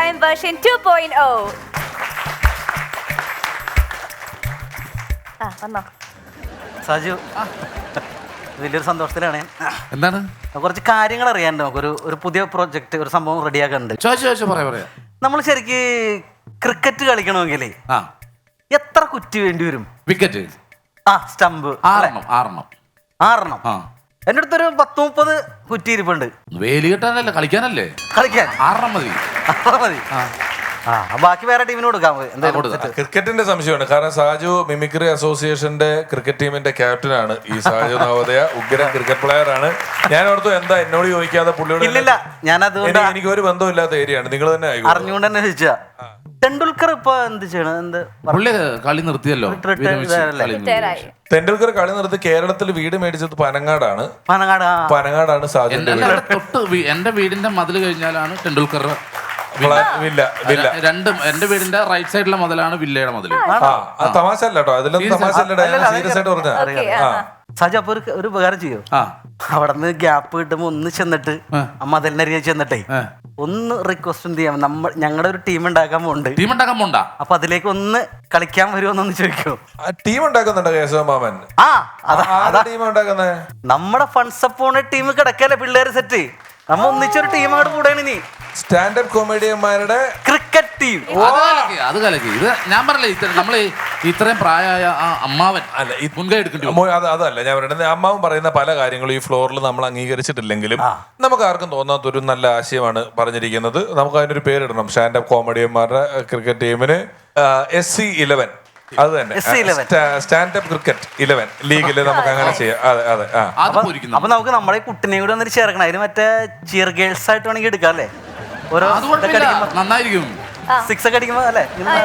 Time version 2.0. വന്നോ സാജു, വലിയൊരു സന്തോഷത്തിലാണ്. എന്താണ് കുറച്ച് കാര്യങ്ങൾ അറിയാനുണ്ട്. നമുക്കൊരു പുതിയ പ്രോജക്റ്റ്, ഒരു സംഭവം റെഡിയാക്കാനുണ്ട്. പറയാ നമ്മൾ ശരിക്ക് ക്രിക്കറ്റ് കളിക്കണമെങ്കിൽ ആ എത്ര കുറ്റി വേണ്ടി വരും? വിക്കറ്റ് സ്റ്റമ്പ് 6 ആ എൻ്റെ അടുത്തൊരു 10-30 കുറ്റി ഇരിപ്പുണ്ട്. വേലി കെട്ടാനല്ലേ കളിക്കാനല്ലേ? കളിക്കാൻ 6 മതി. മതി. ബാക്കി വേറെ ടീമിന് കൊടുക്കാം. ക്രിക്കറ്റിന്റെ സംശയമാണ്. കാരണം സാജു മിമിക്രി അസോസിയേഷന്റെ ക്രിക്കറ്റ് ടീമിന്റെ ക്യാപ്റ്റനാണ്. ഈ സാജു നവോദയ ഉഗ്ര ക്രിക്കറ്റ് പ്ലെയർ ആണ്. ഞാൻ ഓർത്തു എന്താ എന്നോട് ചോദിക്കാതെ പുള്ളിയോട്. ഇല്ലില്ല, ഞാനത് എനിക്ക് ഒരു ബന്ധമില്ലാത്ത ഏരിയയാണ്. നിങ്ങൾ തന്നെ അറിഞ്ഞുകൊണ്ട് തന്നെ ചോദിച്ചാ. ടെണ്ടുൽക്കർ ഇപ്പൊ എന്ത് ചെയ്യണം? പുള്ളി കളി നിർത്തിയല്ലോ. തെണ്ടുൽക്കർ കളി നിർത്തി കേരളത്തിൽ വീട് മേടിച്ചത് പനങ്ങാടാണ്. സാജു എന്റെ വീടിന്റെ മതിൽ കഴിഞ്ഞാലാണ് ടെണ്ടുൽക്കർ വില്ല. എന്റെ വീടിന്റെ റൈറ്റ് സൈഡിലെ മതിലാണ് വില്ലയുടെ മതിൽ. തമാശ അല്ല കേട്ടോ, അതിലൊന്നും തമാശ അല്ല, സീരിയസ് ആയിട്ട് പറഞ്ഞ. സാജു അപ്പൊ ഒരു ഉപകാരം ചെയ്യോ? അവിടെ നിന്ന് ഗ്യാപ്പ് കിട്ടുമ്പോ ഒന്ന് ചെന്നിട്ട് മതിലിനരികെ ചെന്നിട്ടേ ഒന്ന് റിക്വസ്റ്റ് ചെയ്യാം. ഞങ്ങളുടെ ഒരു ടീം ഉണ്ടാക്കാൻ പോണ്ട. അപ്പൊ അതിലേക്ക് ഒന്ന് കളിക്കാൻ വരുമോന്നൊന്ന് ചോദിക്കോ? ടീം ഉണ്ടാക്കുന്നുണ്ടോ കേശവമാമൻ? ടീം ഉണ്ടാക്കുന്നേ നമ്മുടെ ഫണ്ട്സ് അപ്പോണ ടീം കിടക്കല്ലേ, പിള്ളേര് സെറ്റ്. നമ്മ ഒന്നിച്ചൊരു ടീം അങ്ങോട്ട് കൂടെയാണ് ഇനി. സ്റ്റാൻഡപ്പ് കോമഡിയന്മാരുടെ ക്രിക്കറ്റ് ടീം. അത് കലക്കി. ഇത് ഞാൻ പറഞ്ഞില്ലേ, നമ്മള് ഇത്രയും പ്രായമായ അമ്മാവൻ അല്ല മുൻകൈ എടുക്കേണ്ടി. അതല്ല ഞാൻ പറയുന്നത്. അമ്മാവൻ പറയുന്ന പല കാര്യങ്ങളും ഈ ഫ്ലോറിൽ നമ്മൾ അംഗീകരിച്ചിട്ടില്ലെങ്കിലും നമുക്ക് ആർക്കും തോന്നാത്തൊരു നല്ല ആശയമാണ് പറഞ്ഞിരിക്കുന്നത്. നമുക്ക് അതിനൊരു പേരിടണം. സ്റ്റാൻഡപ്പ് കോമഡിയന്മാരുടെ ക്രിക്കറ്റ് ടീമിന് SC11. അത് തന്നെ, സ്റ്റാൻഡപ്പ് ക്രിക്കറ്റ് 11 ലീഗില് നമുക്ക് അങ്ങനെ ചെയ്യാം. അതെ. അപ്പൊ നമുക്ക് നമ്മുടെ കുട്ടിനെ കൂടെ വന്നിട്ട് ചേർക്കണം. അതിന് മറ്റേ ചിയർ ഗേൾസ് ആയിട്ട് വേണമെങ്കിൽ എടുക്കാം അല്ലേ? ഓരോ നന്നായിരിക്കും. 6 ഒക്കെ അടിക്കുമ്പോ അല്ലേ?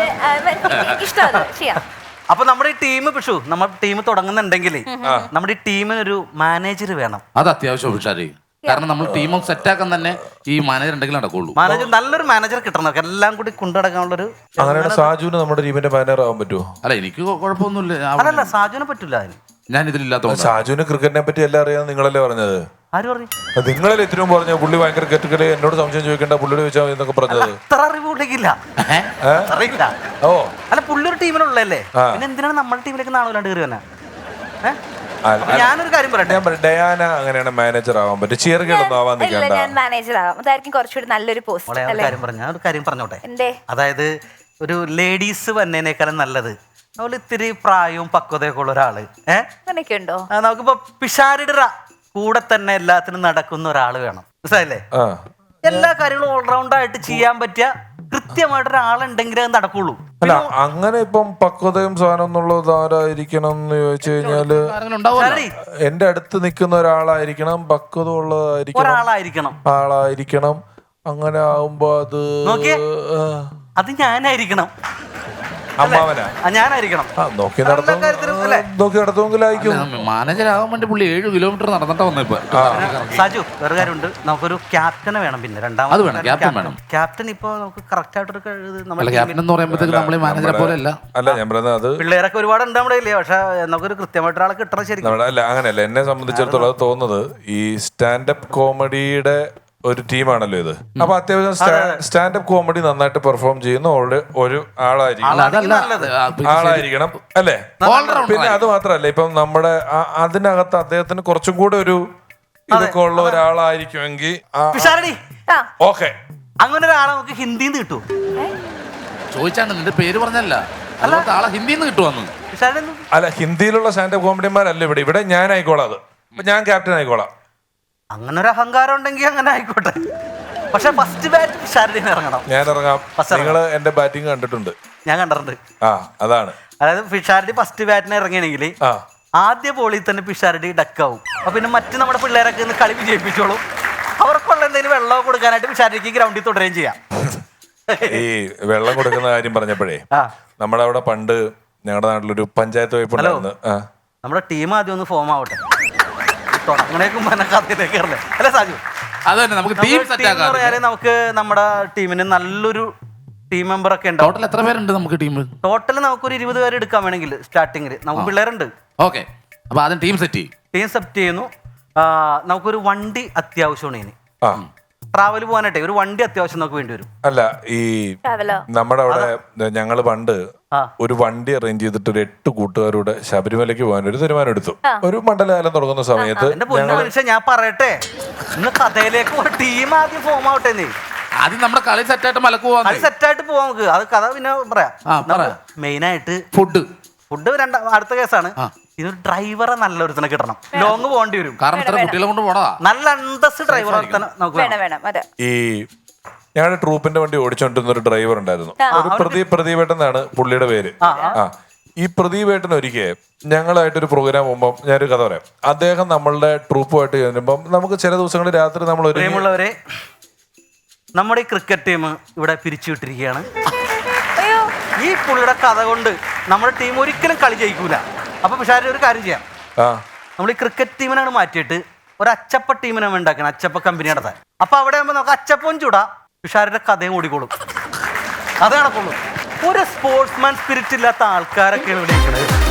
അപ്പൊ നമ്മുടെ ഈ ടീം നമ്മുടെ ടീം തുടങ്ങുന്നുണ്ടെങ്കിൽ നമ്മുടെ ഈ ടീമിനൊരു മാനേജർ വേണം. അത് അത്യാവശ്യം ഉഷാരി. കാരണം നമ്മൾ ടീം സെറ്റാക്കാൻ തന്നെ ഈ മാനേജർ ഉണ്ടെങ്കിൽ നടക്കുള്ളൂ. നല്ലൊരു മാനേജർ കിട്ടണം, എല്ലാം കൂടി കൊണ്ടുനടക്കാനുള്ളൊരു. അങ്ങനെയാണ് സാജുവിന് നമ്മുടെ ടീമിന്റെ മാനേജർ ആവാൻ പറ്റുമോ? അല്ല, എനിക്ക് കുഴപ്പമൊന്നുമില്ല. അല്ലല്ല, സാജുവിനെ പറ്റില്ല. അതിന് ഞാൻ ഇതിലില്ലാത്ത സാജുവിന് ക്രിക്കറ്റിനെ പറ്റി എല്ലാം അറിയാം. നിങ്ങളല്ലേ പറഞ്ഞത്? ആര് പറഞ്ഞു? നിങ്ങളല്ലേ ഇത്രയും പറഞ്ഞു പുള്ളി ഭയങ്കര ക്രിക്കറ്റ് കളി, എന്നോട് സംശയം ചോദിക്കേണ്ട, പുള്ളിയോട് ചോദിച്ചാൽ മതി എന്നൊക്കെ പറഞ്ഞത്. അത്ര അറിവ് പുള്ളിക്കില്ല. അറിയില്ല. അല്ല, പുള്ളി ഒരു ടീമിനുള്ളല്ലേ, പിന്നെ എന്തിനാണ് നമ്മുടെ ടീമിലേക്ക് നാളെ കയറി വന്നെ? ഞാനൊരു കാര്യം പറയട്ടെ. ഡയാന അങ്ങനെയാണ് മാനേജർ ആവാൻ പറ്റും. ചിയർഗേളൊന്നും ആവാൻ നിൽക്കണ്ട. ഞാൻ മാനേജർ ആവാം. അതായിരിക്കും കുറച്ചുകൂടി നല്ലൊരു പോസ്റ്റ്. ഒരു കാര്യം പറഞ്ഞോട്ടെ. അതായത് ഒരു ലേഡീസ് വന്നതിനേക്കാളും നല്ലത് അതുപോലെ ഇത്തിരി പ്രായവും പക്വതയൊക്കെ ഉള്ള ഒരാള്. അങ്ങനെയൊക്കെയുണ്ടോ? നമുക്കിപ്പോ പിഷാരിയുടെ കൂടെ തന്നെ എല്ലാത്തിനും നടക്കുന്ന ഒരാള് വേണം. മനസ്സിലായില്ലേ? എല്ലാ കാര്യങ്ങളും ഓൾറൗണ്ട് ആയിട്ട് ചെയ്യാൻ പറ്റിയ കൃത്യമായിട്ട് ഒരാളുണ്ടെങ്കിലേ അത് നടക്കുള്ളൂ. അല്ല, അങ്ങനെ ഇപ്പം പക്വതയും സാധനം എന്നുള്ളത് ആരായിരിക്കണം എന്ന് ചോദിച്ചു കഴിഞ്ഞാല് എന്റെ അടുത്ത് നിൽക്കുന്ന ഒരാളായിരിക്കണം, പക്വത ഉള്ളതായിരിക്കണം, ആളായിരിക്കണം. അങ്ങനെ ആവുമ്പോ അത് ഞാനായിരിക്കണം. അമ്മാവനാ ഞാനായിരിക്കണം. നോക്കി നടത്തുമെങ്കിലായിരിക്കും. മാനേജർ ആവാൻ വേണ്ടി പുള്ളി 7 കിലോമീറ്റർ നടന്നിട്ടാ വന്നപ്പോ. സാജു, വേറെ കാര്യമുണ്ട്. നമുക്കൊരു ക്യാപ്റ്റനെ വേണം. പിന്നെ രണ്ടാമത് ക്യാപ്റ്റൻ ഇപ്പൊ നമുക്ക് കറക്റ്റ് ആയിട്ടൊരു പിള്ളേരൊക്കെ ഒരുപാടുണ്ട് നമ്മുടെ കയ്യില്. പക്ഷെ നമുക്കൊരു കൃത്യമായിട്ട് ഒരാളെ കിട്ടണം. ശരിക്കും അല്ല, അങ്ങനെയല്ല. എന്നെ സംബന്ധിച്ചിടത്തോളം അത് തോന്നുന്നത് ഈ സ്റ്റാൻഡപ്പ് കോമഡിയുടെ ഒരു ടീമാണല്ലോ ഇത്. അപ്പൊ അത്യാവശ്യം സ്റ്റാൻഡപ്പ് കോമഡി നന്നായിട്ട് പെർഫോം ചെയ്യുന്ന ഒരു ആളായിരിക്കണം അല്ലേ? പിന്നെ അത് മാത്രല്ല, ഇപ്പം നമ്മുടെ അതിനകത്ത് അദ്ദേഹത്തിന് കുറച്ചും കൂടെ ഒരു ഇതൊക്കെ ഉള്ള ഒരാളായിരിക്കുമെങ്കിൽ ഓക്കെ. അങ്ങനെ ഒരാളെ നമുക്ക് ഹിന്ദിന്ന് കിട്ടുമോ? ചോദിച്ചാണ്, നിന്റെ പേര് പറഞ്ഞല്ല, ആളെ ഹിന്ദിന്ന് കിട്ടുവന്നു. അല്ല, ഹിന്ദിയിലുള്ള സ്റ്റാൻഡപ്പ് കോമഡിമാരല്ല ഇവിടെ ഞാൻ ആയിക്കോളാം. അത് ഞാൻ ക്യാപ്റ്റൻ ആയിക്കോളാം. അങ്ങനെ ഒരു അഹങ്കാരം ഉണ്ടെങ്കിൽ അങ്ങനെ ആയിക്കോട്ടെ. പക്ഷെ ഫസ്റ്റ് ബാറ്റ് പിഷാരടി ഇറങ്ങണം. ഞാൻ ഇറങ്ങാം. നിങ്ങള് എന്റെ ബാറ്റിംഗ് കണ്ടിട്ടുണ്ട്? ഞാൻ കണ്ടിട്ടുണ്ട്. അതാണ്. അതായത് പിഷാരടി ഫസ്റ്റ് ബാറ്റിന് ഇറങ്ങിയാണെങ്കിൽ ആദ്യ ബോളിൽ തന്നെ പിഷാരടി ഡക്കാവും. അപ്പൊ പിന്നെ മറ്റു നമ്മുടെ പിള്ളേരൊക്കെ ഇന്ന് കളി വിജയിപ്പിച്ചോളും. അവർക്കുള്ള എന്തെങ്കിലും വെള്ളം കൊടുക്കാനായിട്ട് പിഷാരടിക്ക് ഗ്രൗണ്ടിൽ തുടരുകയും ചെയ്യാം. ഈ വെള്ളം കൊടുക്കുന്ന കാര്യം പറഞ്ഞപ്പോഴേ, നമ്മുടെ അവിടെ പണ്ട് ഞങ്ങളുടെ നാട്ടിലൊരു പഞ്ചായത്ത് വകുപ്പ് ഉണ്ടായിരുന്നു. നമ്മുടെ ടീം ആദ്യം ഒന്ന് ഫോം ആവട്ടെ. നമുക്ക് നമ്മുടെ ടീമിന് നല്ലൊരു ടീം മെമ്പർ ഒക്കെ ഉണ്ട്. ടോട്ടൽ എത്ര പേരുണ്ട് നമുക്ക് ടീം? ടോട്ടൽ നമുക്കൊരു 20 പേര് എടുക്കാൻ വേണമെങ്കിൽ സ്റ്റാർട്ടിങ്ങിൽ നമുക്ക് പിള്ളേരുണ്ട്. ഓക്കെ, അപ്പൊ ആദ്യം ടീം സെറ്റ് ചെയ്യുന്നു. നമുക്കൊരു വണ്ടി അത്യാവശ്യമാണ്. ഇനി ട്രാവൽ പോകാനായിട്ടേ ഒരു വണ്ടി അത്യാവശ്യം നമുക്ക് വേണ്ടി വരും. അല്ല ഈ ട്രാവലോ നമ്മുടെ അവിടെ ഞങ്ങള് പണ്ട് ഒരു വണ്ടി അറേഞ്ച് ചെയ്തിട്ട് ഒരു 8 കൂട്ടുകാരുടെ ശബരിമലയ്ക്ക് പോകാൻ ഒരു തീരുമാനം എടുത്തു. ഒരു മണ്ഡലകാലം തുടങ്ങുന്ന സമയത്ത് എന്റെ പൊന്നു മനുഷ്യൻ ഞാൻ പറയട്ടെ, ഇന്ന് കഥയിലേക്ക് ഒരു ടീം ആദ്യം ഫോം ആവട്ടെ. നീ ആദ്യം നമ്മുടെ കളി സെറ്റായിട്ട് മലക്ക് പോവാൻ അത് സെറ്റായിട്ട് പോവാം നമുക്ക്. അത് കഥ പിന്നെ പറയാം. മെയിനായിട്ട് ഫുഡ് അടുത്ത കേസാണ്. ഇതൊരു ഡ്രൈവറെ നല്ലൊരുത്തനെ കിട്ടണം. ലോങ് പോകേണ്ടി വരും. കാരണം ഇത്ര കുട്ടികളെ കൊണ്ട് പോണതാ. നല്ല അന്തസ് ഡ്രൈവർ നമുക്ക് വേണം. അതെ. ഈ ഞങ്ങളുടെ ട്രൂപ്പിന്റെ വണ്ടി ഓടിച്ചോണ്ടിരുന്ന ഒരു ഡ്രൈവർ ഉണ്ടായിരുന്നു. ഒരു പ്രദീപേട്ടൻ എന്നാണ് പുള്ളിയുടെ പേര്. ഈ പ്രദീപേട്ടൻ ഒരിക്കൽ ഞങ്ങളായിട്ടൊരു പ്രോഗ്രാം പോകുമ്പോൾ ഞാനൊരു കഥ പറയാം. അദ്ദേഹം നമ്മളുടെ ട്രൂപ്പുമായിട്ട് ചെല്ലുമ്പം നമുക്ക് ചില ദിവസങ്ങളിൽ രാത്രി നമ്മൾ പ്രിയമുള്ളവരെ, നമ്മുടെ ഈ ക്രിക്കറ്റ് ടീം ഇവിടെ പിരിച്ചുവിട്ടിരിക്കുകയാണ്. ഈ പുള്ളിയുടെ കഥ കൊണ്ട് നമ്മുടെ ടീം ഒരിക്കലും കളി ജയിക്കൂല. അപ്പൊ പിഷാരി ഒരു കാര്യം ചെയ്യാം, നമ്മൾ ഈ ക്രിക്കറ്റ് ടീമിനാണ് മാറ്റിയിട്ട് ഒരു അച്ചപ്പ ടീമിനാണ് ഉണ്ടാക്കണം. അച്ചപ്പ കമ്പനി നടത്താൻ. അപ്പൊ അവിടെ ആകുമ്പോൾ നമുക്ക് അച്ചപ്പവും ചൂടാ, പിഷാരിയുടെ കഥയും ഓടിക്കോളും. അത് നടക്കുള്ളൂ. ഒരു സ്പോർട്സ്മാൻ സ്പിരിറ്റ് ഇല്ലാത്ത ആൾക്കാരൊക്കെയാണ് ഇവിടെ ഇരിക്കുന്നത്.